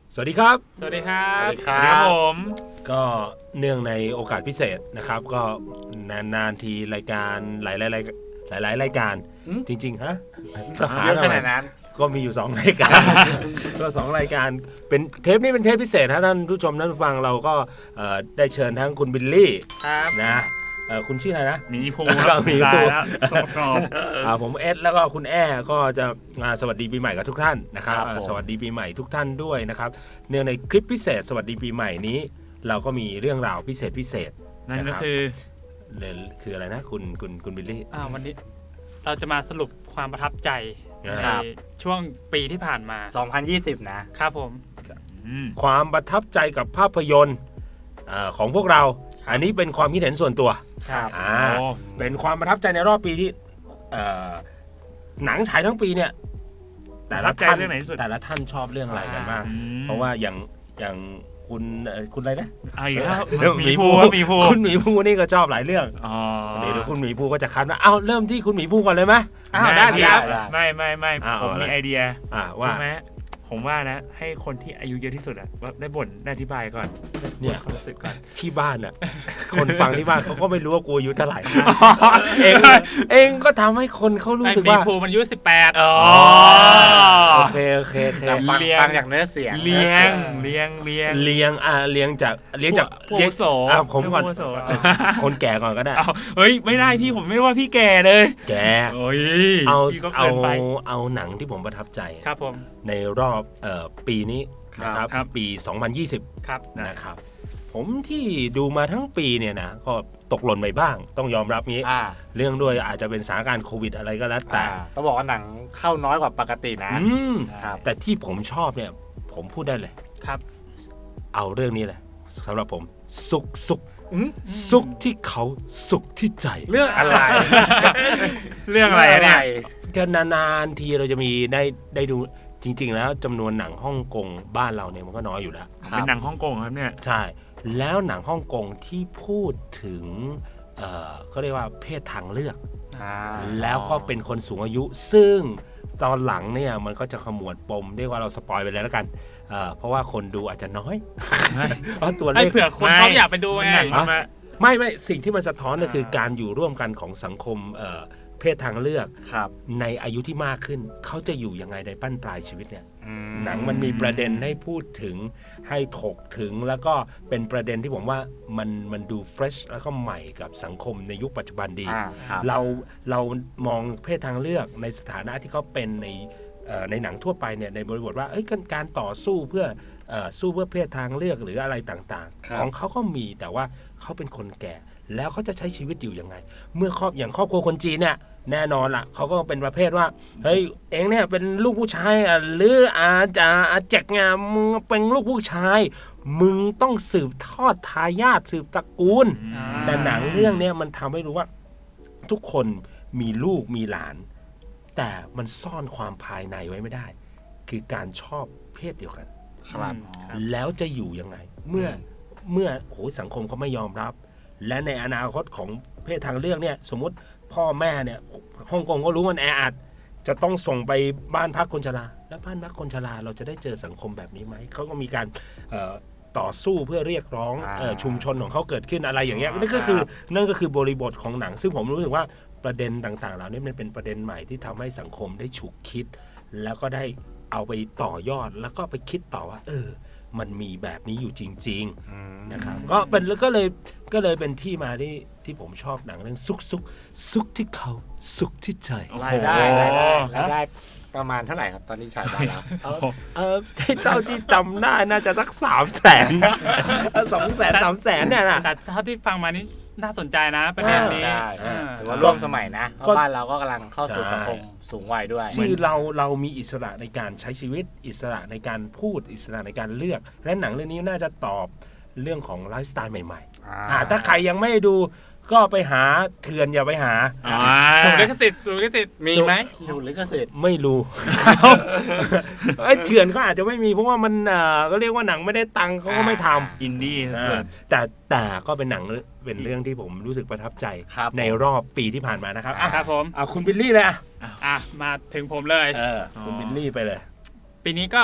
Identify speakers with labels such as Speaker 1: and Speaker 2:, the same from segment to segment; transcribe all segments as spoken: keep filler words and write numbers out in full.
Speaker 1: สวัสดีครับ
Speaker 2: สวัสดีครับ
Speaker 3: สวัสดีครับ
Speaker 2: ผม
Speaker 1: ก็เนื่องในโอกาสพิเศษนะครับก็นานๆทีรายการหลายๆรายหลายหลายรายการจริงๆฮะทหาร
Speaker 3: เยอะข
Speaker 1: อะไร
Speaker 3: นาดนั้น
Speaker 1: ก็มีอยู่สองรายการ ก็สองรายการเป็นเทปนี้เป็นเทปพิเศษนะท่านผู้ชมท่านผู้ฟังเราก็ได้เชิญทั้งคุณบิลลี่นะคุณชื่ออะไรนะ
Speaker 2: มีภู
Speaker 1: เรามีภู
Speaker 2: แล้ว
Speaker 1: ผมเอสแล้วก็คุณแอ้ก็จะมาสวัสดีปีใหม่กับทุกท่านนะครับสวัสดีปีใหม่ทุกท่านด้วยนะครับเนื่องในคลิปพิเศษสวัสดีปีใหม่นี้เราก็มีเรื่องราวพิเศษพิเศษ
Speaker 2: นั่นก็คือ
Speaker 1: คืออะไรนะคุณคุณคุณบิลลี่
Speaker 2: วันนี้เราจะมาสรุปความประทับใจในช่วงปีที่ผ่านมา
Speaker 3: สองพันยี่สิบนะครับ
Speaker 2: ผม
Speaker 1: ความประทับใจกับภาพยนตร์ของพวกเราอันนี้เป็นความคิดเห็นส่วนตัว
Speaker 3: ครับ
Speaker 1: เป็นความประทับใจในรอบปีที่หนังฉายทั้งปีเนี่ยแต่ละท่านแต่ละท่านชอบเรื่องอะไรกันบ้างเพราะว่าอย่างอย่างคุณคุณอะไรนะ
Speaker 2: หมีภูหมีภู
Speaker 1: คุณหมีภูนี่ก็ชอบหลายเรื่องเดี๋ยวคุณหมีภูก็จะคัดว่าเอ้าเริ่มที่คุณหมีภูก่อนเลยไหม
Speaker 2: อ้าวได้ครับไม่ไม่ไม่ผมมีไอเดีย
Speaker 1: ว่า
Speaker 2: ผมว่านะให้คนที่อายุเยอะที่สุดอ่ะได้บ่นได้อธิบายก่อน
Speaker 1: เนี่ยเขารู้สึกก่อนที่บ้านอ่ะคนฟังที่บ้านเขาก็ไม่รู้ว่ากูอายุเท่าไหร่เองเองก็ทำให้คนเขารู้สึกว่า
Speaker 2: มีภูมันอายุสิบแปดอ๋อ
Speaker 1: โอเคโอเคโอเค
Speaker 3: ฟังฟังจากเนื้อเสียง
Speaker 2: เลี้ยงเลี้ยงเลี้ยง
Speaker 1: เลี้ยงอ่าเลี้ยงจากเลี้ยงจาก
Speaker 2: เลี้ยงโส
Speaker 1: อ่ะผมก่อนคนแก่ก่อนก็ได้
Speaker 2: เฮ้ยไม่ได้พี่ผมไม่ว่าพี่แก่เลย
Speaker 1: แก่
Speaker 2: โอ้ย
Speaker 1: เอาเอาเอาหนังที่ผมประทับใจ
Speaker 2: ครับผม
Speaker 1: ในรอบเอ่อปีนี้นะครับปีสองพันยี่สิบ
Speaker 2: ครับ
Speaker 1: นะครับผมที่ดูมาทั้งปีเนี่ยนะก็ตกหล่นไปบ้างต้องยอมรับนี้เรื่องด้วยอาจจะเป็นสถานการณ์โควิดอะไรก็แล้วแต่
Speaker 3: ต้องบอกว่าหนังเข้าน้อยกว่าปกตินะ
Speaker 1: แต่ที่ผมชอบเนี่ยผมพูดได้เลย
Speaker 2: ครับ
Speaker 1: เอาเรื่องนี้เลยสำหรับผมสุขสุขสุขที่เขาสุขที่ใจ
Speaker 3: เรื่องอะไร
Speaker 2: เรื่องอะไรเนี่ย
Speaker 1: จะนานๆทีเราจะมีได้ได้ดูจริงๆแล้วจำนวนหนังฮ่องกงบ้านเราเนี่ยมันก็น้อยอยู่แล้ว
Speaker 2: เป็นหนังฮ่องกงครับเนี่ย
Speaker 1: ใช่แล้วหนังฮ่องกงที่พูดถึงเอ่อเขาเรียกว่าเพศทางเลือกแล้วก็เป็นคนสูงอายุซึ่งตอนหลังเนี่ยมันก็จะขมวดปมเรียกว่าเราสปอยไปเลยแล้วกันเอ่อเพราะว่าคนดูอาจจะน้อยเพราะตัวเลข
Speaker 2: เผื่อคนเขาอยากไปดูไง
Speaker 1: ไม่ไม่สิ่งที่มันสะท้อนก็คือการอยู่ร่วมกันของสังคมเอ่อเพศทางเลือกในอายุที่มากขึ้นเขาจะอยู่ยังไงในบั้นปลายชีวิตเนี่ยหนังมันมีประเด็นให้พูดถึงให้ถกถึงแล้วก็เป็นประเด็นที่ผมว่ามันมันดูเฟรชแล้วก็ใหม่กับสังคมในยุคปัจจุบันดีเราเรามองเพศทางเลือกในสถานะที่เขาเป็นในในหนังทั่วไปเนี่ยในบริบทว่าเอ้ยการต่อสู้เพื่อสู้เพื่อเพศทางเลือกหรืออะไรต่างๆของเขาก็มีแต่ว่าเขาเป็นคนแก่แล้วเขาจะใช้ชีวิตอยู่ยังไงเมื่อครอบอย่างครอบครัวคนจีนเนี่ยแน่นอนล่ะเขาก็เป็นประเภทว่าเฮ้ยเองเนี่ยเป็นลูกผู้ชายอ่ะหรืออาจารย์อาแจกงามมึงเป็นลูกผู้ชายมึงต้องสืบทอดทายาทสืบตระกูลแต่หนังเรื่องนี้มันทำให้รู้ว่าทุกคนมีลูกมีหลานแต่มันซ่อนความภายในไว้ไม่ได้คือการชอบเพศเดียวกัน
Speaker 3: ครับ
Speaker 1: แล้วจะอยู่ยังไงเมื่อเมื่อโหสังคมเขาไม่ยอมรับและในอนาคตของเพศทางเลือกเนี่ยสมมติพ่อแม่เนี่ยฮ่องกงก็รู้มันแออัดจะต้องส่งไปบ้านพักคนชราแล้วบ้านพักคนชราเราจะได้เจอสังคมแบบนี้ไหมเขาก็มีการต่อสู้เพื่อเรียกร้องชุมชนของเขาเกิดขึ้นอะไรอย่างเงี้ยนั่นก็คือนั่นก็คือบริบทของหนังซึ่งผมรู้สึกว่าประเด็นต่างๆเหล่านี้มันเป็นประเด็นใหม่ที่ทำให้สังคมได้ฉุกคิดแล้วก็ได้เอาไปต่อยอดแล้วก็ไปคิดต่อว่าเออมันมีแบบนี้อยู่จริงๆนะครับก็เป็นแล้วก็เลยก็เลยเป็นที่มาที่ที่ผมชอบหนังเรื่องซุกซุกซุกที่เขาสุขที่ใจ
Speaker 3: รายได้รายได้รายได้ประมาณเท่าไหร่ครับตอนนี้ฉายไปแล้ว
Speaker 1: เออเจ้าที่จำได้น่าจะสักสามแสนสองแสนสามแสนเนี่ยนะ
Speaker 2: แต่เท่าที่ฟังมานี่น่าสนใจนะประเด็นนี้
Speaker 3: ถือว่าร่วมสมัยนะเพราะบ้านเราก็กำลังเข้าสู่สังคมสูงวัยด้วย
Speaker 1: คือเราเรามีอิสระในการใช้ชีวิตอิสระในการพูดอิสระในการเลือกและหนังเรื่องนี้น่าจะตอบเรื่องของไลฟ์สไตล์ใหม่ๆถ้าใครยังไม่ดูก็ไปหาเถื่อนอย่าไปหา
Speaker 2: ถูกลิขสิทธิ์ถูกลิขสิทธิ์
Speaker 3: มีไหมถูกลิขสิทธิ์
Speaker 1: ไม่รู้ไอ้เถื่อนก็อาจจะไม่มีเพราะว่ามันก็เรียกว่าหนังไม่ได้ตังค์เขาก็ไม่ทำ
Speaker 2: อินดี้
Speaker 1: แต่แต่ก็เป็นหนังเป็นเรื่องที่ผมรู้สึกประทับใจในรอบปีที่ผ่านมานะครับ
Speaker 2: ครับผม
Speaker 1: อ่ะคุณบิลลี่เลยอ่ะ
Speaker 2: อ่ะมาถึงผมเลย
Speaker 1: คุณบิลลี่ไปเลย
Speaker 2: ปีนี้ก็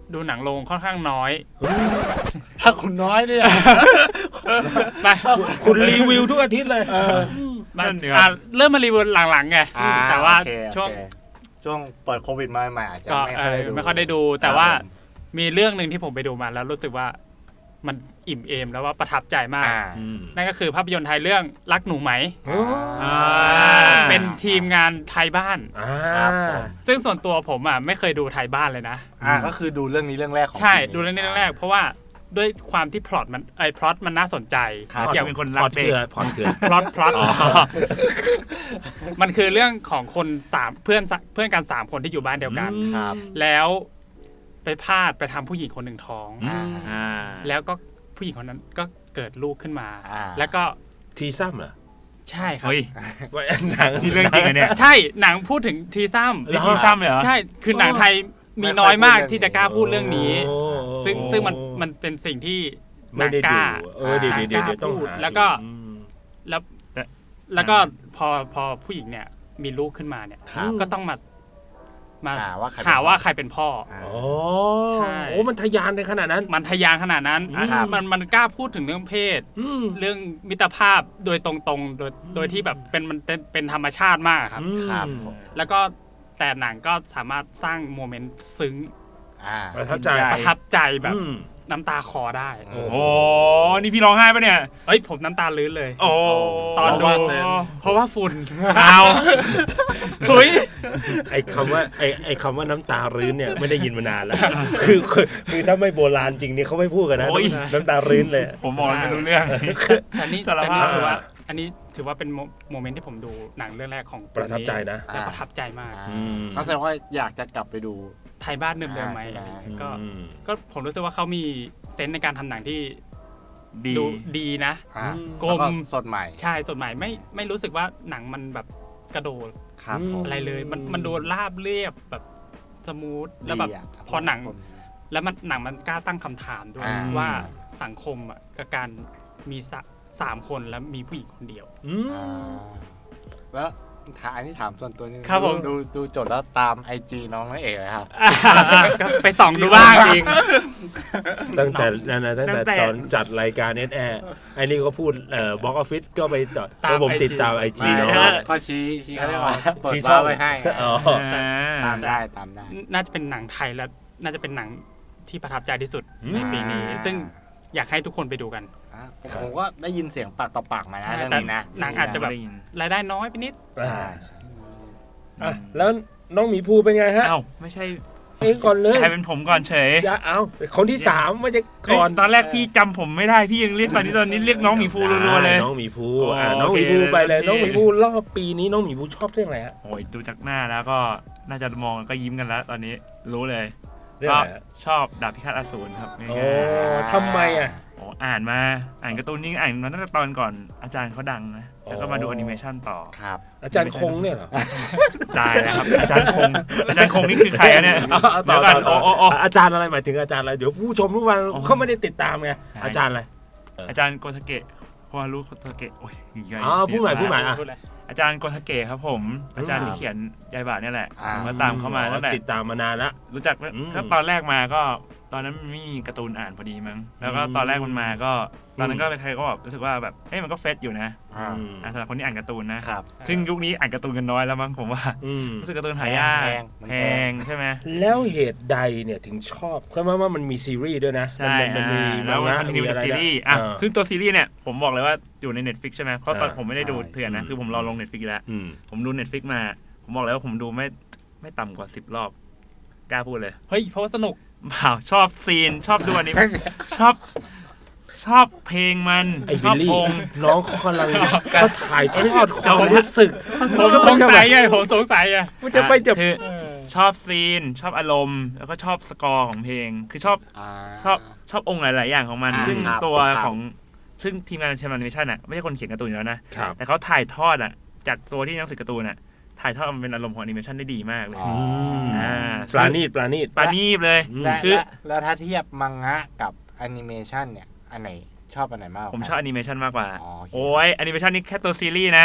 Speaker 2: ดูหนังโรงค่อนข้างน้อย
Speaker 3: ถ้าคุณน้อยเนี่ย
Speaker 2: ไป
Speaker 1: คุณรีวิวทุกอาทิตย์เลย
Speaker 2: มา
Speaker 4: นั่นสิครับ
Speaker 2: อ่ะเริ่มมารีวิวหลังๆไง
Speaker 3: อ่
Speaker 2: แต่ว่า
Speaker 3: โอเค
Speaker 2: ช่วง
Speaker 3: โอเคช่วงเปิดโควิดมาใหม่ๆอาจจะ
Speaker 2: ก็
Speaker 3: ไม่
Speaker 2: เอ
Speaker 3: ค่อย
Speaker 2: อ
Speaker 3: ได้ดู
Speaker 2: ไม่ค่อยได้ดู แต่ว่ามีเรื่องหนึ่งที่ผมไปดูมาแล้วรู้สึกว่ามันอิ่มเอมแล้วว่าประทับใจมาก
Speaker 3: อ่า
Speaker 2: นั่นก็คือภาพยนตร์ไทยเรื่องรักหนูไหม
Speaker 3: อ่า
Speaker 2: เป็นทีมงานไทยบ้าน
Speaker 1: อ่า
Speaker 3: ครับผม
Speaker 2: ซึ่งส่วนตัวผมอ่ะไม่เคยดูไทยบ้านเลยนะ
Speaker 3: อ่าก็คือดูเรื่องนี้เรื่องแรกของ
Speaker 2: ใช่
Speaker 3: ชีวิต
Speaker 2: ดูเรื่องนี้เรื่องแรก เพราะว่าด้วยความที่พล็อตมันไอ้พล็อตมันน่าสนใจ
Speaker 3: ครับ
Speaker 4: อยากเป็นคนรั
Speaker 1: พ
Speaker 4: ก
Speaker 1: อด
Speaker 4: เด็
Speaker 1: เกลื
Speaker 4: ก
Speaker 1: อพอดเกลือ
Speaker 2: พล็อตพล็อตมันคือเรื่องของคนสามเพื่อนสเพื่อนกันสามคนที่อยู่บ้านเดียวกัน
Speaker 3: ครับ
Speaker 2: แล้วไปพลาดไปทำผู้หญิงคนหนึ่งท้อง
Speaker 3: อ่า
Speaker 4: อ่า
Speaker 2: แล้วก็ผู้หญิงคนนั้นก็เกิดลูกขึ้นมา
Speaker 3: อ่า
Speaker 2: แล้วก็
Speaker 1: ทีซ้ำเหรอ
Speaker 2: ใช่ครับ
Speaker 4: เฮ้ย
Speaker 1: ว่าหนัง
Speaker 4: นี่เรื่องจริงเหรอเนี่ย
Speaker 2: ใช่หนังพูดถึงทีซ้
Speaker 4: นี่ทีซ้ำเลยเหรอ
Speaker 2: ำใช่คือหนังไทยมีน้อยมากที่จะกล้าพูดเรื่องนี้
Speaker 1: โอ้
Speaker 2: ซึ่งซึ่งมันมันเป็นสิ่งที่ห
Speaker 1: ไม่
Speaker 2: นัง
Speaker 1: ได้
Speaker 2: ก
Speaker 1: ดู
Speaker 2: ล้า
Speaker 1: เออเดี๋ยวเดี๋ยวเดี๋ยวเดี๋ยวต้อง
Speaker 2: พูด
Speaker 1: หา
Speaker 2: แล้วก็
Speaker 1: อืม
Speaker 2: แล้วแล้วก็พอพอผู้หญิงเนี่ยมีลูกขึ้นมาเนี่ย
Speaker 3: ครับ
Speaker 2: ก็ต้องมามา
Speaker 3: หาว่าใครเป็น
Speaker 2: หาว่าใครเป็นพ่อ
Speaker 3: อ่า
Speaker 1: อ๋อ
Speaker 2: ใช่
Speaker 1: โอ้มันทะยานในขนาดนั้น
Speaker 2: มันทะยานขนาดนั้น
Speaker 3: ครับ
Speaker 2: มันมันกล้าพูดถึงเรื่องเพศ
Speaker 1: อืม
Speaker 2: เรื่องมิตรภาพโดยตรงๆ โดยโดยที่แบบเป็นมันเป็นเป็นธรรมชาติมากครับ
Speaker 3: ครับผม
Speaker 2: แล้วก็แต่หนังก็สามารถสร้างโมเมนต์ซึ้ง
Speaker 3: อ่า
Speaker 1: ประทับใจ
Speaker 4: ใช่
Speaker 2: ประทับใจแบบ
Speaker 1: อืม
Speaker 2: น้ำตาคลอได้
Speaker 3: โอ้
Speaker 4: โอ้นี่พี่ร้องไห้ปะเนี่ย
Speaker 2: เอ้ยผมน้ำตาลื้นเลย
Speaker 4: โอ้
Speaker 2: ตอนดู
Speaker 3: เพราะว่าเซน
Speaker 2: เพราะว่าฝุ่น
Speaker 4: เอา
Speaker 2: ถุย
Speaker 1: ไอ้คำว่าไอ้ไอ้คำว่าน้ำตารื้นเนี่ยไม่ได้ยินมานานแล้ว คือคือคือถ้าไม่โบราณจริงเนี่ยเขาไม่พูดกันนะ
Speaker 4: โอ้ย
Speaker 1: น้ำตารื้นเลย
Speaker 4: ผมบอกเลยไม่รู้เรื่อง
Speaker 2: แต่นี่
Speaker 4: สาร
Speaker 2: แต่
Speaker 4: ภา
Speaker 2: นี่
Speaker 4: พ
Speaker 2: ถือว่า อันนี้ถือว่าเป็นโมโมเมนต์ที่ผมดูหนังเรื่องแรกของ
Speaker 1: ประทับใจนะ
Speaker 2: และประทับใจมาก
Speaker 3: อ่า
Speaker 1: อืม
Speaker 3: เขาแสดงว่าอยากจะกลับไปดู
Speaker 2: ไทยบ้านเดิมๆไหม
Speaker 3: อ่าใช่ไหม
Speaker 2: อะไรอย่างเงี้ยก็
Speaker 1: อืม
Speaker 2: ก็ผมรู้สึกว่าเขามีเซนส์ในการทำหนังที่
Speaker 4: ดี
Speaker 2: ดูดีนะ
Speaker 3: อ่า
Speaker 1: อืม
Speaker 2: กลม
Speaker 3: แล้วสดใหม่
Speaker 2: ใช่สดใหม่ไม่ไม่รู้สึกว่าหนังมันแบบกระโดด
Speaker 3: ครับผม
Speaker 2: อะไรเลย มันมันดูราบเรียบแบบสมูทแล้วแบบ
Speaker 3: ดีะ
Speaker 2: พอหนัง แล้วมันหนังมันกล้าตั้งคำถามด้วย
Speaker 3: อ่า
Speaker 2: ว่าสังคมอ่ะกับการมีสะสามคนแล้วมีผู้หญิงคนเดียว
Speaker 1: อืม
Speaker 3: อ่าแล้วถามอันนี้ถามส่วนตัวนึง
Speaker 2: ครับผม
Speaker 3: ดูดูจดแล้วตามไอจีน้องนั่นเองเลยครับ
Speaker 2: ก็ไปส่องดูบ้าง
Speaker 4: จริง
Speaker 1: ตั้งแต่นั่นนะตั้งแต่
Speaker 4: ตั้งแต่
Speaker 1: ตอนจัดรายการเอสแอร์ไอ้นี่ก็พูดเอ่อบล็อกออฟฟิศก็ไปต่อ
Speaker 2: ตาม
Speaker 1: แล้วผม
Speaker 2: ไอจี
Speaker 1: ติดตามไอจี
Speaker 3: ไม่
Speaker 1: เนาะ
Speaker 3: ก็ก็ชี้ชี้เขาเรียกว่าเปิด
Speaker 1: ชี้
Speaker 3: บ้าร์ไว้ให้
Speaker 1: อ๋อ
Speaker 4: อ่า
Speaker 3: ตามได้ตามได้
Speaker 2: น่าจะเป็นหนังไทยแล้วน่าจะเป็นหนังที่ประทับใจที่สุด
Speaker 1: อืม
Speaker 2: ในปีนี้
Speaker 3: อ่า
Speaker 2: ซึ่งอยากให้ทุกคนไปดูกัน
Speaker 3: อ่ะผมก็ได้ยินเสียงปากต่อปากมา
Speaker 2: ใช่
Speaker 3: นะเรื่อง
Speaker 2: แต่
Speaker 3: นี้นะ
Speaker 2: หนังอาจจะแบบ
Speaker 4: ได้ยิน
Speaker 2: รายได้น้อยไปนิด
Speaker 3: ใช่ใช่
Speaker 1: อ่ะแล้วน้องหมีภูเป็นไงฮะ
Speaker 4: เอ้าไม่ใช่
Speaker 1: เองก่อนเลย
Speaker 4: ใครเป็นผมก่อนเฉย
Speaker 1: จะเอาคนที่สามไม่ใช่ก่อน
Speaker 4: เอ้ยตอนแรกพี่จำผมไม่ได้พี่ยังเรียกตอนนี้ตอนนี้เรียกน้องหมีฟูรัวๆเลย
Speaker 1: น้องหมีภู
Speaker 4: อ๋ออ่
Speaker 1: อ่ะน้องหมีภู
Speaker 4: โอเค
Speaker 1: ไปเลย
Speaker 4: โอเค
Speaker 1: น้องหมีภูรอบปีนี้น้องหมีภูชอบเรื่องอะไรฮะ
Speaker 4: โอ้ยดูจากหน้าแล้วก็น่าจะมองก็ยิ้มกันแล้ว ตอนนี้รู้เลย
Speaker 1: เรื่อง
Speaker 4: ก็
Speaker 1: อะไรฮะ
Speaker 4: ชอบดาบพิฆาตอสูรครับง่าย
Speaker 1: โอ้
Speaker 4: ๆ
Speaker 1: ทำไมอ่ะ
Speaker 4: โอ้อ่านมาอ่านการ์ตูนนี่อ่านมาตั้งแต่ตอนก่อนอาจารย์เขาดังนะแล้วก็มาดู
Speaker 1: อ๋อ
Speaker 4: แอนิเมชันต่อ
Speaker 3: ครับ
Speaker 1: อาจารย์คงเนี่ยเหรอ
Speaker 4: ตายแล้วครับอาจารย์คงอาจารย์คงนี่คือใครอะเนี่ย
Speaker 1: เอาเอาต่
Speaker 4: เดี๋
Speaker 1: อ
Speaker 4: ยวกัน
Speaker 1: ต่
Speaker 4: โอ้
Speaker 1: อ
Speaker 4: โอ้โอ้
Speaker 1: อาจารย์อะไรหมายถึงอาจารย์อะไรเดี๋ยวผู้ชมทุกวัน
Speaker 4: อ๋อ
Speaker 1: เขาไม่ได้ติดตามไง
Speaker 4: ใช่
Speaker 1: อาจารย์อะไร
Speaker 4: อาจารย์โกทาเกะโคฮารุโกทาเกะโอ้ยอีกไง
Speaker 1: อ๋อพูดใหม่พูดใหม่ อ่ะ
Speaker 2: พูดเลย
Speaker 4: อาจารย์โกทาเกะครับผม อาจารย์ที่เขียนยายบาเนี่ยแหละ
Speaker 3: อ่า
Speaker 4: ผมก็ตามเขามาตั้งแต่
Speaker 1: ติดตามมานานละ
Speaker 4: รู้จัก
Speaker 1: อืม
Speaker 4: ก็ตอนแรกมาก็ตอนนั้นมันไม่มีการ์ตูนอ่านพอดีมั้งแล้วก็
Speaker 1: อืม
Speaker 4: ตอนแรกมันมาก็ตอนนั้
Speaker 1: อื
Speaker 4: น
Speaker 1: ม
Speaker 4: ก็ใครก็แบบรู้สึกว่าแบบเอ้ยมันก็เฟซอยู่นะ
Speaker 3: อ่า
Speaker 1: อืม
Speaker 4: อ่ะสำหรับคนที่อ่านการ์ตูนนะ
Speaker 3: ครับ
Speaker 4: ซึ่งยุคนี้อ่านการ์ตูนกันน้อยแล้วมั้งผมว่า
Speaker 1: อืม
Speaker 4: รู้สึกการ์ตูนหายาก
Speaker 3: แพงมัน
Speaker 4: แพ
Speaker 3: แพง
Speaker 4: งใช่ไหม
Speaker 1: แล้วเหตุใดเนี่ยถึงชอบเพราะว่าว่ามันมีซีรีส์ด้วยนะ
Speaker 4: ใช่
Speaker 1: มันมันมี
Speaker 4: อ่าแล้วมัน
Speaker 1: งะ
Speaker 4: คอนติเนีย
Speaker 1: มี
Speaker 4: จาก
Speaker 1: อะไร
Speaker 4: ซีรีส์
Speaker 1: นะ
Speaker 4: อ่ะ
Speaker 1: เออ
Speaker 4: ซึ่งตัวซีรีส์เนี่ยผมบอกเลยว่าอยู่ใน Netflix ใช่ไหมเพราะตอน
Speaker 1: อ่า
Speaker 4: ผมไม่ได้ดู
Speaker 3: ใช่
Speaker 4: เถื่อนนะ
Speaker 1: อืม
Speaker 4: คือผมรอลง Netflix แล้ว
Speaker 1: อืม
Speaker 4: ผมดู Netflix มา ผมบอกเลยว่าผมดูไม่ไม่ต่ำกว่าสิบรอบกล้าพูดเลย
Speaker 2: เฮ้ยเพราะว่าสนุก
Speaker 4: เปล่าชอบซีนชอบดูอันนี้ ชอบชอบเพลงมัน
Speaker 1: ไอ้
Speaker 4: ช
Speaker 1: บิ
Speaker 4: อ
Speaker 1: ล
Speaker 4: บ
Speaker 1: ลี่
Speaker 4: องค์
Speaker 1: น้องเขากำลังเขาถ่ายทอดความรู้สึก
Speaker 2: ผมสงสัยไงผมสงสัยอ่ะ
Speaker 1: มันจะไปจะ
Speaker 4: คือชอบซีน ชอบอารมณ์ แล้วก็ชอบสกอร์ของเพลง คือชอบ
Speaker 3: อ่า
Speaker 4: ชอบชอบองค์หลาย ๆ อย่างของมัน
Speaker 3: อ่า
Speaker 4: ซึ่ง
Speaker 3: ครับ
Speaker 4: ตัว
Speaker 3: ครับ
Speaker 4: ของซึ่งทีมงานทีมแอนิเมชันอ่ะไม่ใช่คนเขียนการ์ตูนอยู่แล้วนะ
Speaker 1: ครับ
Speaker 4: แต่เขาถ่ายทอดอ่ะจากตัวที่หนังสือการ์ตูนอ่ะถ่ายทอดมันเป็นอารมณ์ของแอนิเมชันได้ดีมากเลย
Speaker 3: อ๋อ
Speaker 4: อ่า
Speaker 1: ปลาณีตปลาณีต
Speaker 4: ปานีบเลย
Speaker 1: อืม
Speaker 3: และ
Speaker 4: คือ
Speaker 3: และแล้วถ้าเทียบมังงะกับแอนิเมชันเนี่ย อันไหนชอบอันไหนมากกว่า
Speaker 4: ผมชอบแอนิเมชันมากกว่า
Speaker 3: อ๋อโอเค
Speaker 4: โอ้ยแอนิเมชันนี่แค่ตัวซีรีส์นะ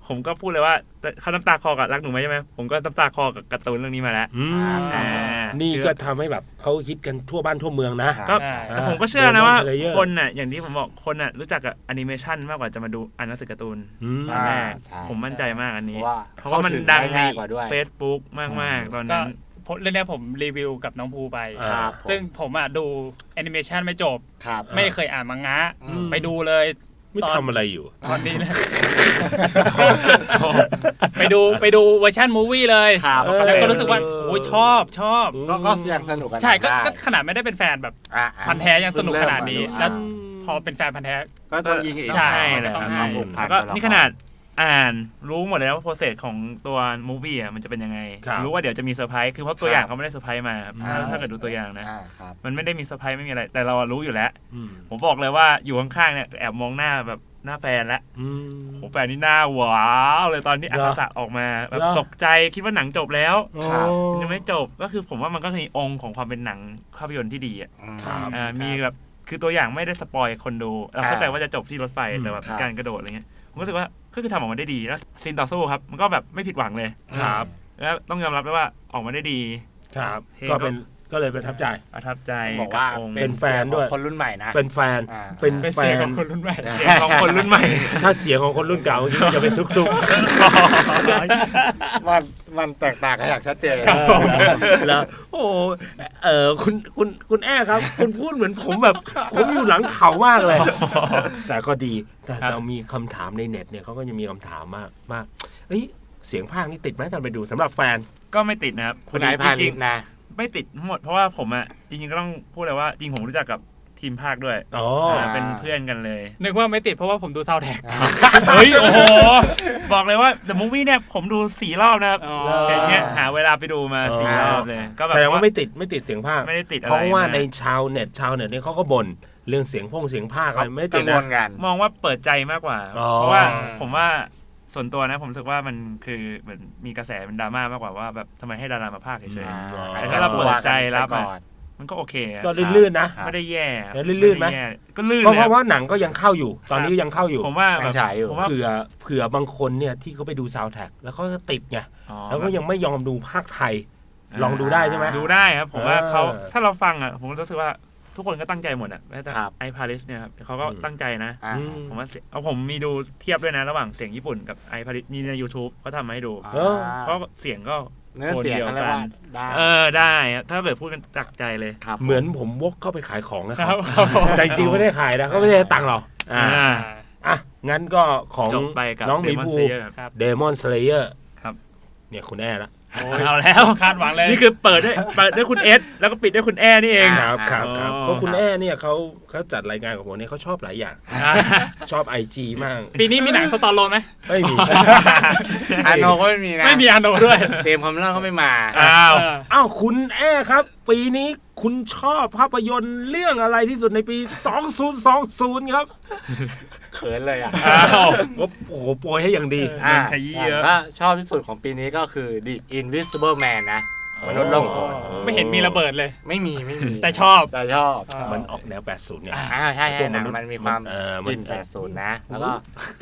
Speaker 4: ผมก็พูดเลยว่าเขาน้ำตาคอกับรักหนูไหมใช่ไหมผมก็น้ำตาคอกับการ์ตูนเรื่องนี้มาแล้ว
Speaker 1: อืม
Speaker 4: อ่า
Speaker 1: นี่ก็ทำให้แบบเขาฮิตกันทั่วบ้านทั่วเมืองนะ
Speaker 3: ครับ
Speaker 4: ก็
Speaker 2: ใช่
Speaker 4: แต่ผมก็เชื่อนะว่า
Speaker 1: Demon Slayer
Speaker 4: คนน่ะอย่างที่ผมบอกคนน่ะรู้จักกับแอนิเมชันมากกว่าจะมาดูอ่านหนังสือการ์ตูน
Speaker 1: อืม
Speaker 3: อ่า
Speaker 4: แม่
Speaker 3: ใช่
Speaker 4: ผมมั่นใจมากอัน
Speaker 3: เพ
Speaker 4: นี้
Speaker 3: ราะว่า
Speaker 4: เพราะว่ามันดังใน
Speaker 3: ง่ายกว่าด้วย
Speaker 4: Facebook มากๆตอน
Speaker 2: ก็
Speaker 4: นั้น
Speaker 2: ผมเรื่องเนี้ยผมรีวิวกับน้องภูไป
Speaker 3: ครับ
Speaker 2: ซึ่งผมอ่ะดูแอนิเมชันไม่จบ
Speaker 3: ครับ
Speaker 1: อ่า
Speaker 2: ไม่เคยอ่านมังงะ
Speaker 3: อืม
Speaker 2: ไปดูเลย
Speaker 1: ไม่
Speaker 2: ตอน
Speaker 1: ทำอะไรอยู่
Speaker 2: ตอนนี้เลย ไปดูไปดูเวอร์ชันมูวี่เลย
Speaker 3: ครับ
Speaker 1: เออ
Speaker 2: แล้วก็รู้สึกว่าโอ้ยชอบชอบ
Speaker 3: ก็ก็ยังสนุกกัน
Speaker 2: ใช่ก็
Speaker 3: ได้
Speaker 2: ก็ขนาดไม่ได้เป็นแฟนแบบ
Speaker 3: อ่ะ
Speaker 2: พันธุ์แท้ยังสนุกขนาดนี้
Speaker 3: เพิ่ง
Speaker 2: แล้
Speaker 3: เริ่
Speaker 2: ว
Speaker 3: มมาดู
Speaker 2: พอเป็นแฟนพันธุ์แท้
Speaker 3: ก็ต้องยิงอีก
Speaker 2: ใช่
Speaker 4: แหละ
Speaker 2: ต้อง
Speaker 4: ครับ
Speaker 2: ให้
Speaker 3: ผูกพัน
Speaker 4: ก็
Speaker 3: ตัวละคร
Speaker 4: นี่ขนาดอ่านรู้หมดเลยว่าโปรเซสของตัวมูฟวี่อ่ะมันจะเป็นยังไง
Speaker 1: ครับ
Speaker 4: รู้ว่าเดี๋ยวจะมีเซอร์ไพรส์คือเพราะตัวอย่างเขาไม่ได้เซอร์ไพรส์มาครับ
Speaker 1: อ่า
Speaker 4: ถ้าถ้าเกิดดูตัวอย่างนะ
Speaker 3: อ่าครับ
Speaker 4: มันไม่ได้มีเซอร์ไพรส์ไม่มีอะไร แต่เรารู้อยู่แล้ว
Speaker 1: อืม
Speaker 4: ผมบอกเลยว่าอยู่ข้างๆเนี่ยแอบมองหน้าแบบหน้าแฟนแล้ว
Speaker 1: อืม
Speaker 4: โหแฟนนี่หน้าว้าวเลยตอนที่
Speaker 1: เห
Speaker 4: อาร
Speaker 1: อ
Speaker 4: คาสะออกมาแบบ
Speaker 1: เหรอ
Speaker 4: ตกใจคิดว่าหนังจบแล้ว
Speaker 3: ครับ
Speaker 4: มันยังไม่จบก็คือผมว่ามันก็มีองค์ของความเป็นหนังภาพยนตร์ที่ดีอ่ะ
Speaker 1: ครับ
Speaker 4: อ่ามีแบบคือตัวอย่างไม่ได้สปอยคนดูเราเข้าใจว่าจะจบที่รถไฟ
Speaker 1: อืม
Speaker 4: แต่แบบ
Speaker 3: ครับ
Speaker 4: การกระโดดอะไรเงี้ยผมรู้สึกว่าก็คือทำออกมาได้ดีแล้วซีนต่อสู้ครับมันก็แบบไม่ผิดหวังเลย
Speaker 1: ครับ
Speaker 4: แล้วต้องยอมรับด้วยว่าออกมาได้ดี
Speaker 1: ครับ
Speaker 4: เพลง
Speaker 1: ก็
Speaker 4: ก็
Speaker 1: เป็นก็เลยประทับใจ
Speaker 4: ประทับใจ
Speaker 3: บอกว่า
Speaker 4: กับองค์
Speaker 1: เป็นแฟนด้วย
Speaker 3: เสีงของคนรุ่นใหม่นะ
Speaker 1: เป็นแฟน
Speaker 3: อ่า
Speaker 1: เป็น
Speaker 2: เป็น
Speaker 1: แฟ
Speaker 2: เสียง
Speaker 1: น
Speaker 2: ของคนรุ่นใหม่
Speaker 4: เสียงของคนรุ่นใหม่
Speaker 1: ถ้าเสียงของคนรุ่นเก่าเมื่อกี้ก็จะเป็นซุกซุก
Speaker 3: มันมันแตกต่างกันอย่างชัดเจน
Speaker 1: แล้วโอ้เออคุณคุณคุณแอ้ครับ คุณพูดเหมือนผมแบบ ผมอยู่หลังเขามากเลย แต่ก็ดีแต่
Speaker 4: ครับ
Speaker 1: เรามีคำถามในเน็ตเนี่ยเขาก็ยังมีคำถามมากมากเอ้ยเสียงภาคนี่ติดไหมตอนไปดูสำหรับแฟน
Speaker 4: ก็ไม่ติดนะครับ
Speaker 3: คุณนายพา
Speaker 4: จ
Speaker 3: ลิ
Speaker 4: ริ
Speaker 3: ต
Speaker 4: ง
Speaker 3: นะ
Speaker 4: ๆไม่ติดทั้งหมดเพราะว่าผมอ่ะจริงๆก็ต้องพูดเลยว่าจริงผมรู้จักกับทีมภาคด้วย
Speaker 1: อ๋อ
Speaker 4: าเป็นเพื่อนกันเลย
Speaker 2: นึกว่าไม่ติดเพราะว่าผมดูซาวด์แท็ก
Speaker 4: เฮ้ย โอ้โห บอกเลยว่า The Movie เนี่ยผมดูสี่รอบนะครับ
Speaker 2: อ๋อ
Speaker 4: อย่างเงี้ยหาเวลาไปดูมาสี่
Speaker 1: อ๋อ
Speaker 4: รอบเลย ก็แบบ
Speaker 1: แสดงว่าไม่ติดไม่ติดเสียงภาค
Speaker 4: ไม่ได้ติดอะไร
Speaker 1: เพราะว่าใน
Speaker 4: ม
Speaker 1: ชาวเน็ตชาวเน็ตเนี่ยเขาก็บ่นเรื่องเสียงพงเสียงภาคอะไรไม่ติ
Speaker 3: กั
Speaker 1: ด
Speaker 3: งว
Speaker 1: นะ
Speaker 3: ลกัน
Speaker 4: มองว่าเปิดใจมากกว่า
Speaker 1: อ๋อ
Speaker 4: เพราะว่าผมว่าส่วนตัวนะผมรู้สึกว่ามันคือเหมือนมีกระแสเป็นดราม่ามากกว่าว่าแบบทำไมให้ดารามาภาคเฉย
Speaker 3: อ่า
Speaker 4: แต่ถ้าเราเปิดใจรับ
Speaker 3: ก่
Speaker 4: อะ
Speaker 3: อน
Speaker 4: ๆมันก็โอเคอะ
Speaker 1: ก็ลื่นๆนะ
Speaker 3: ครับ
Speaker 4: ไม่ได้แย่
Speaker 1: แล้วลื่นๆไหม
Speaker 4: ด้แย่ก็ลื่น
Speaker 1: เพราะ
Speaker 4: เลย
Speaker 1: เพราะว่าหนังก็ยังเข้าอยู่ ตอนนี้ก็ยังเข้าอยู่
Speaker 4: ผมว่า
Speaker 3: ยั
Speaker 4: แบบ
Speaker 3: งฉายอยู่
Speaker 4: ผมว่า
Speaker 1: เผื่อเผื่อบางคนเนี่ยที่เขาไปดูซาวด์แท็กแล้วเขาก็ติดไง
Speaker 4: อ๋อ
Speaker 1: แล้วก็ยังไม่ยอมดูภาคไทย ลองดูได้ใช่ไหม
Speaker 4: ดูได้ครับ ผมว่า
Speaker 1: เออ
Speaker 4: เขาถ้าเราฟังอ่ะผมรู้สึกว่าทุกคนก็ตั้งใจหมดอ่ะแม้แต่
Speaker 3: ครับ
Speaker 4: ไอพาริสเนี่ยครับเขาก็
Speaker 1: อืม
Speaker 4: ตั้งใจนะ
Speaker 3: อ่า
Speaker 1: อืม
Speaker 4: ผมว่าเสียงเอาผมมีดูเทียบด้วยนะ ระหว่างเสียงญี่ปุ่นกับไอพาริสมีใน YouTube เขาทำมาให้ดู
Speaker 1: เออ
Speaker 4: เพราะเสียงก็
Speaker 3: เนื้อเสียงอะไรว่าได้
Speaker 4: เออได้ครับถ้าแบบพูดกันจากใจเลย
Speaker 3: ครับ
Speaker 1: เหมือนผมวกเข้าไปขายของนะค
Speaker 2: ค
Speaker 1: รั
Speaker 2: รั
Speaker 1: บบ
Speaker 2: ครับผม
Speaker 1: แต่จริงๆไม่ได้ขายนะเขาไม่ได้ให้ตังค์เราอ่า
Speaker 4: อ่า
Speaker 1: อ่ะงั้นก็ของ
Speaker 4: จบไปกับ
Speaker 1: น้องหมี
Speaker 4: Demon
Speaker 1: ภู
Speaker 4: Slayer ครับ
Speaker 1: เดมอนสเลเยอร์
Speaker 4: ครับ
Speaker 1: เนี่ยคุณแอ้ละ
Speaker 4: เอาแล้ว
Speaker 2: คาดหวังเลย
Speaker 4: นี่คือเปิดด้วยเปิดด้วยคุณเอสแล้วก็ปิดด้วยคุณแอนี่เอง
Speaker 3: อ่า
Speaker 1: ครับครับครับ
Speaker 4: อ๋อ
Speaker 1: เพราะคุณแอ้เนี่ยเขาเขาจัดรายการกับผมเนี่ยเขาชอบหลายอย่าง ชอบไอจีมาก
Speaker 2: ปีนี้มีหนังสตอร์โลไหม
Speaker 1: ไม่มี
Speaker 3: อาโนก็ไม่มีนะ
Speaker 2: ไม่มีอาโนด้วย
Speaker 3: เจมส์คอมเลอร์ก็ไม่มา
Speaker 4: อ้าว
Speaker 2: เออ
Speaker 1: อ้าวคุณแอ้ครับ ปีนี้คุณชอบภาพยนตร์เรื่องอะไรที่สุดในปี สองพันยี่สิบ ครับ
Speaker 3: เขินเลยอ่ะ
Speaker 4: อ้าว
Speaker 1: โอ้โหโปรยให้อย่างดี
Speaker 3: อ่า
Speaker 4: ขยี้เยอะ
Speaker 3: ก็ชอบที่สุดของปีนี้ก็คือ The Invisible Man นะ มนุษย์ล่องหน
Speaker 2: ไม่เห็นมีระเบิดเลย
Speaker 3: ไม่มีไม่มี
Speaker 2: แต่ชอบ
Speaker 3: แต่ชอบ
Speaker 1: มันออกแนว แปดสิบ เนี่ย
Speaker 3: อ่าใช่ใช่หนังมันมีความ
Speaker 1: เออมัน
Speaker 3: กลิ่นแปดสิบนะ แล้วก็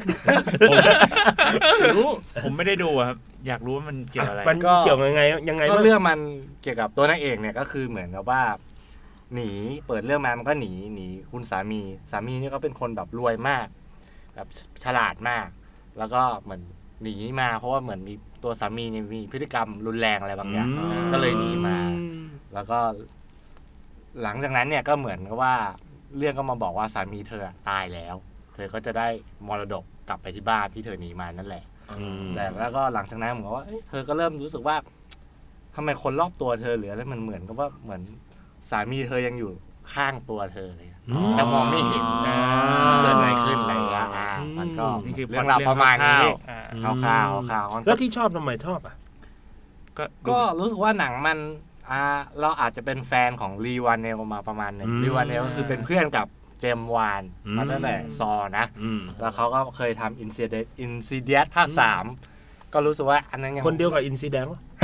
Speaker 1: รู้
Speaker 4: ผมไม่ได้ดูอะครับ อยากรู้ว่ามันเกี่ยวอะไร
Speaker 1: มัน
Speaker 3: ก็
Speaker 1: เกี่ยวยังไงยังไง
Speaker 3: ก็
Speaker 1: บ้าง
Speaker 3: เรื่องมันเกี่ยวกับตัวนางเอกเนี่ยก็คือเหมือนกับว่า หนีเปิดเรื่องมามันก็หนีหนีคุณสามี สามีนี่ก็เป็นคนแบบรวยมาก แบบฉลาดมาก แล้วก็เหมือนหนีมา เพราะว่าเหมือนมีตัวสามีเนี่ยมีพฤติกรรมรุนแรงอะไรบางอย่าง
Speaker 1: อืม
Speaker 3: ก็เลยหนีมา แล้วก็ หลังจากนั้นเนี่ยก็เหมือนกับว่าเรื่องก็มาบอกว่าสามีเธอตายแล้ว เธอก็จะได้มรดกกลับไปที่บ้านที่เธอหนีมานั่นแหละ
Speaker 1: อืม
Speaker 3: แต่แล้วก็หลังจากนั้นผมก็ว่าเอ้ยเธอก็เริ่มรู้สึกว่าทำไมคนรอบตัวเธอหรืออะไรมันเหมือนกับว่าเหมือนสามีเธอยังอยู่ข้างตัวเธอเลย
Speaker 1: อืม
Speaker 3: แต่มองไม่เห็น
Speaker 2: อ่า
Speaker 3: เกิดอะไรขึ้นอะไรอย่างเงี้ยอ่ามันก็
Speaker 4: นี่คือ
Speaker 3: เรื่องราวประมาณนี้
Speaker 2: อ่า
Speaker 3: คร่าวๆคร่าวๆมัน
Speaker 1: แล้
Speaker 3: ก็
Speaker 1: วที่ชอบทำไมชอบอ่ะ
Speaker 4: ก็
Speaker 3: ก็รู้สึกว่าหนังมันอ่าเราอาจจะเป็นแฟนของลีวานเนลมาประมาณหนึง
Speaker 1: อืม
Speaker 3: ลีวานเนลก็คือเป็นเพื่อนกับเจมส์วาน
Speaker 1: อืม
Speaker 3: มาตั้งแต่ซอนะ
Speaker 1: อืม
Speaker 3: แล้วเขาก็เคยทำอินซิเดอินซิเดียสภาคสามก็รู้สึกว่าอันนั้นยัง
Speaker 1: คนเดียวกับอินซีแดงวะ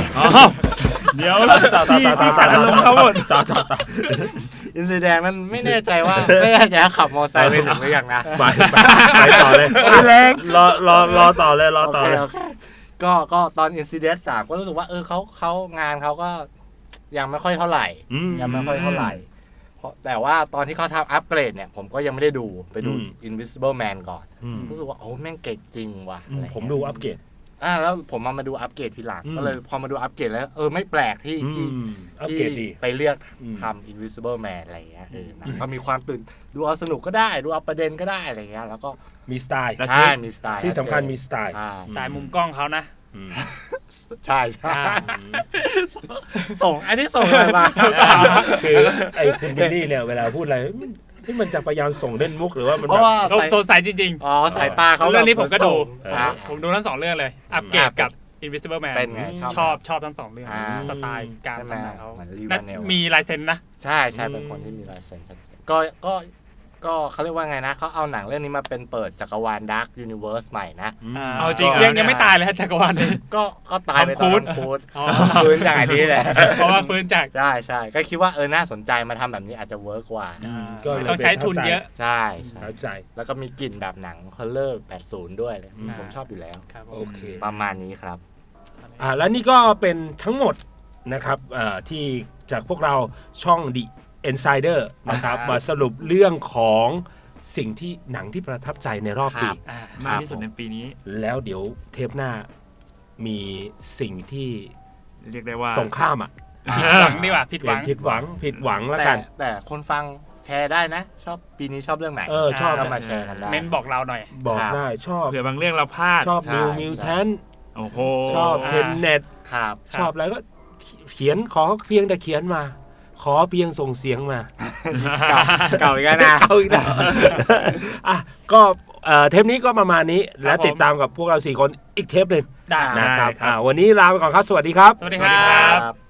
Speaker 4: อ๋อเดี๋ยว
Speaker 1: ต่อต่อ
Speaker 4: พี่
Speaker 1: ต่อต่อ
Speaker 4: พี่ขัดอารมณ์เขาหมด
Speaker 1: ต่อต่อต่อ
Speaker 3: อินซีแดงนั้นไม่แน่ใจว่า ไม่แน่ใจว่าขับมอเตอร์ไซค์ไปถึงหรือยังนะ
Speaker 1: ไปไปไปต่อเลยแรงรอรอรอต่อเลยรอต่อเลย
Speaker 3: โอเคโอเคก็ก็ตอนอินซีเดนต์สามก็รู้สึกว่าเออเขาเขางานเขาก็ยังไม่ค่อยเท่าไหร่
Speaker 1: อืม
Speaker 3: ยังไม่ค่อยเท่าไหร่เพราะแต่ว่าตอนที่เขาทำอัปเกรดเนี่ยผมก็ยังไม่ได้ดูไปดู
Speaker 1: อืม
Speaker 3: Invisible Man ก่อน
Speaker 1: อืม
Speaker 3: รู้สึกว่าโอ้แม่งเก่งจริงว่ะ
Speaker 1: อืม
Speaker 3: อะไรเงี้ย
Speaker 1: ผมดูอัปเกรด
Speaker 3: อ่าแล้วผมมามาดูอัปเกรดทีหลัง
Speaker 1: อืม
Speaker 3: ก็เลยพอมาดูอัปเกรดแล้วเออไม่แปลกที่
Speaker 1: อื
Speaker 3: ที่
Speaker 1: มอัปเกรดดี
Speaker 3: ที่ไปเลือก
Speaker 1: อืม
Speaker 3: ทำ Invisible Man อะไรเงี้ยเออหนังก็มีความตื่นดูเอาสนุกก็ได้ดูเอาประเด็นก็ได้อะไรเงี้ยแล้วก็
Speaker 1: มีสไตล์
Speaker 3: ใช่มีสไตล์
Speaker 1: ที่สำคัญมีสไตล์
Speaker 3: อ่า
Speaker 2: สไตล์มุมกล้องเขานะ
Speaker 1: อืม
Speaker 3: ใช่ใช่
Speaker 2: อ่า
Speaker 3: ส่งอันนี้ส่งอะไรมา
Speaker 1: คือไอ้คุณบิลลี่เนี่ยเวลาพูดอะไรมันที่มันจะพยายามส่งเล่นมุกหรือว่ามัน
Speaker 3: เพ
Speaker 1: แบ
Speaker 3: ราะ
Speaker 1: บ
Speaker 3: ว่า
Speaker 2: เขา
Speaker 3: สาย
Speaker 2: สดใสจริง
Speaker 3: อ๋อสายตาเขา
Speaker 2: เรื่องนี้ผมก็ดู
Speaker 3: แบบส่งอ่า
Speaker 2: ๆ ผมดูทั้งสองเรื่องเลย อัปเกรดกับ Invisible Man
Speaker 3: เป็นไงชอบ
Speaker 2: ชอบชอบทั้งสองเรื่อง
Speaker 3: อ่า
Speaker 2: สไตล์การ
Speaker 3: ใช่ไหม
Speaker 2: ทำหนังเขา
Speaker 3: เหมือนลี
Speaker 2: และ
Speaker 3: วานเนล
Speaker 2: มีลายเซ็นนะ
Speaker 3: ใช่ใช่เป็นคนที่มีลายเซ็นชัดเจนก็ก็ก็เขาเรียกว่าไงนะเขาเอาหนังเรื่องนี้มาเป็นเปิดจักรวาล Dark Universe ใหม่นะ
Speaker 1: อืม
Speaker 4: เอาจริงเหรอ
Speaker 2: ยังยังไม่ตายเลยฮะจักรวาลนี้
Speaker 3: ก็ก็ตายไปตอน
Speaker 2: ทอมครูซ
Speaker 3: ทอมครูซ
Speaker 2: อ๋อ
Speaker 3: ฟื้นจากอันนี้แหละ
Speaker 2: เพราะว่าฟื้นจาก
Speaker 3: ใช่ใช่ก็คิดว่าเออน่าสนใจมาทำแบบนี้อาจจะเวิร์กกว่า
Speaker 1: อืมก็เลย
Speaker 2: ต้องใช้ทุนเยอะ
Speaker 3: ใช่ใช่
Speaker 1: เข้าใจ
Speaker 3: แล้วก็มีกลิ่นแบบหนังฮอลเลอร์แปดสิบด้วยเลย
Speaker 1: อืม
Speaker 3: ผมชอบอยู่แล้ว
Speaker 2: ครับผ
Speaker 1: โอ
Speaker 2: ม
Speaker 1: เค
Speaker 3: ประมาณนี้ครับ
Speaker 1: อ่าและนี่ก็เป็นทั้งหมดนะครับเอ่อที่จากพวกเราช่อง The Insider นะครับ
Speaker 2: ครับ
Speaker 1: มาสรุปเรื่องของสิ่งที่หนังที่ประทับใจในรอบปี
Speaker 3: ครับ
Speaker 2: อ่า
Speaker 4: มากที่สุดในปีนี้
Speaker 1: แล้วเดี๋ยวเทปหน้ามีสิ่งที่
Speaker 4: เรียกได้ว่า
Speaker 1: ตรงข้ามอ่ะ
Speaker 2: หวังดีกว่าผิดห
Speaker 1: เป็
Speaker 2: วัน ง
Speaker 1: ผิดหวังผิดหวังแล้ว
Speaker 3: แต่
Speaker 1: กัน
Speaker 3: แต่คนฟังแชร์ได้นะ ชอบปีนี้ชอบเรื่องไหน
Speaker 1: เออชอบ
Speaker 3: ก็
Speaker 1: นะ
Speaker 3: มาแชร์กันได้
Speaker 2: เม้นบอกเราหน่อย
Speaker 1: บอก
Speaker 3: ครับ
Speaker 1: ได้ชอบ
Speaker 4: เผื่อบางเรื่องเราพลาด
Speaker 1: ชอบ
Speaker 3: ใช่
Speaker 1: นิว
Speaker 3: ใช่
Speaker 1: มิวแทน
Speaker 4: โอ้โห
Speaker 1: ชอบ
Speaker 2: อ่า
Speaker 1: เทนเน็ต
Speaker 3: ครับ
Speaker 1: ชอบอะไรก็เขียนขอเพียงแต่เขียนมา ขอเพียงส่งเสียงมา
Speaker 3: เก่าเก่าอีกแล้วนะ
Speaker 1: เอาอีกแล้วอ่ะก็เอ่อเทปนี้ก็ประมาณนี้และติดตามกับพวกเราสี่คนอีกเทปหนึ่ง
Speaker 2: ได้
Speaker 1: นะครับ
Speaker 4: ได้ครับ
Speaker 1: อ่าวันนี้ลาไปก่อนครับ สวัสดีครับ
Speaker 2: สวัสดีครับ
Speaker 3: ครับ